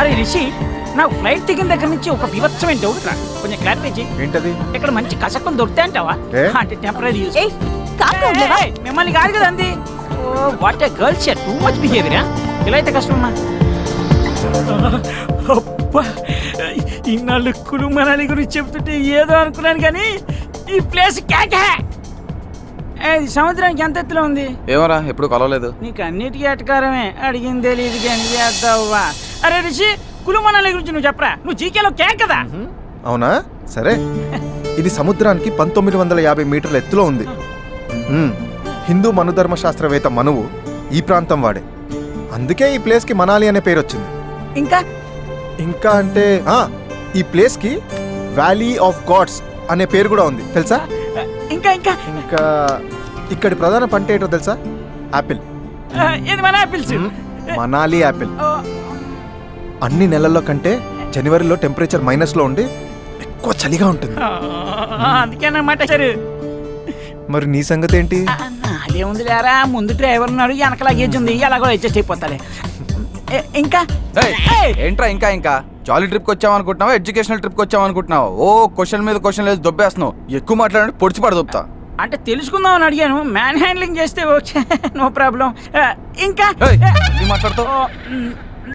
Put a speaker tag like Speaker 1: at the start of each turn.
Speaker 1: అరే రిషి, నాకు ఫ్లైట్ దిగిన దగ్గర నుంచి ఒక వివత్సమైన డౌట్ రా, కొంచెం క్లారిఫై చేయి.
Speaker 2: ఏంటది?
Speaker 1: ఇక్కడ మంచి కసకం దొరుకుతాయి అంటావా?
Speaker 2: ఏ?
Speaker 1: అంటే టెంపరీ యూస్.
Speaker 3: ఏయ్ కాకా ఉండలేవా?
Speaker 1: మిమ్మల్ని కాదు కదా అంది. Oh what a girls share too much behaviour. ఇలా అయితే కష్టమమ్మా. అబ్బా, ఇన్నాళ్ళు కులు మనాలి గురించి చెప్తుంటే ఏదో అనుకున్నాను కానీ ఈ ప్లేస్ కేకే. సముద్రానికి ఎంత ఎత్తులో ఉంది?
Speaker 4: ఏమరా ఎప్పుడు కలవలేదు.
Speaker 1: నీకు అన్నిటికీ అటకారమే, అడిగింది తెలియదు కానీ చేద్దావా. అరే రిషి, కులు మనాలి గురించి నువ్వు చెప్పరా, నువ్వు జీకేలో కేక్ కదా.
Speaker 2: అవునా, సరే. ఇది సముద్రానికి 1950 మీటర్ల ఎత్తులో ఉంది. హిందూ మనుధర్మ శాస్త్రవేత్త మనువు ఈ ప్రాంతం వాడే, అందుకే ఈ ప్లేస్కి మనాలి అనే పేరు వచ్చింది.
Speaker 1: ఇంకా
Speaker 2: ఇంకా అంటే ఈ ప్లేస్కి వ్యాలీ ఆఫ్ గాడ్స్ అనే పేరు కూడా ఉంది, తెలుసా?
Speaker 1: ఇంకా ఇంకా
Speaker 2: ఇంకా ఇక్కడి ప్రధాన పంట ఏంటో తెలుసా? యాపిల్.
Speaker 1: ఇది మన ఆపిల్స్.
Speaker 2: మనాలి యాపిల్. అన్ని నెలల్లో కంటే జనవరిలో టెంపరేచర్ మైనస్లో ఉండి ఎక్కువ చలిగా ఉంటుంది.
Speaker 1: అందుకేనమాట సరే.
Speaker 2: మరి నీ సంగతి ఏంటి?
Speaker 1: అదేముంది లేరా, ముందు డ్రైవర్ ఉన్నాడు, వెనక లగేజ్ ఉంది, ఎలాగో అడ్జస్ట్ అయిపోతాలే. ఇంకా
Speaker 4: ఏంట్రా ఇంకా ఇంకా జాలీ ట్రిప్కి వచ్చామనుకుంటున్నావా, ఎడ్యుకేషనల్ ట్రిప్కి వచ్చామనుకుంటున్నావా? ఓ క్వశ్చన్ మీద క్వశ్చన్ లేదు దొబ్బేస్తున్నావు. ఎక్కువ మాట్లాడండి పొడిచి పడ దొబ్బుతా.
Speaker 1: అంటే తెలుసుకుందామని అడిగాను, మ్యాన్ హ్యాండ్లింగ్ చేస్తే ఓకే, నో ప్రాబ్లం. ఇంకా
Speaker 4: మాట్లాడతావు.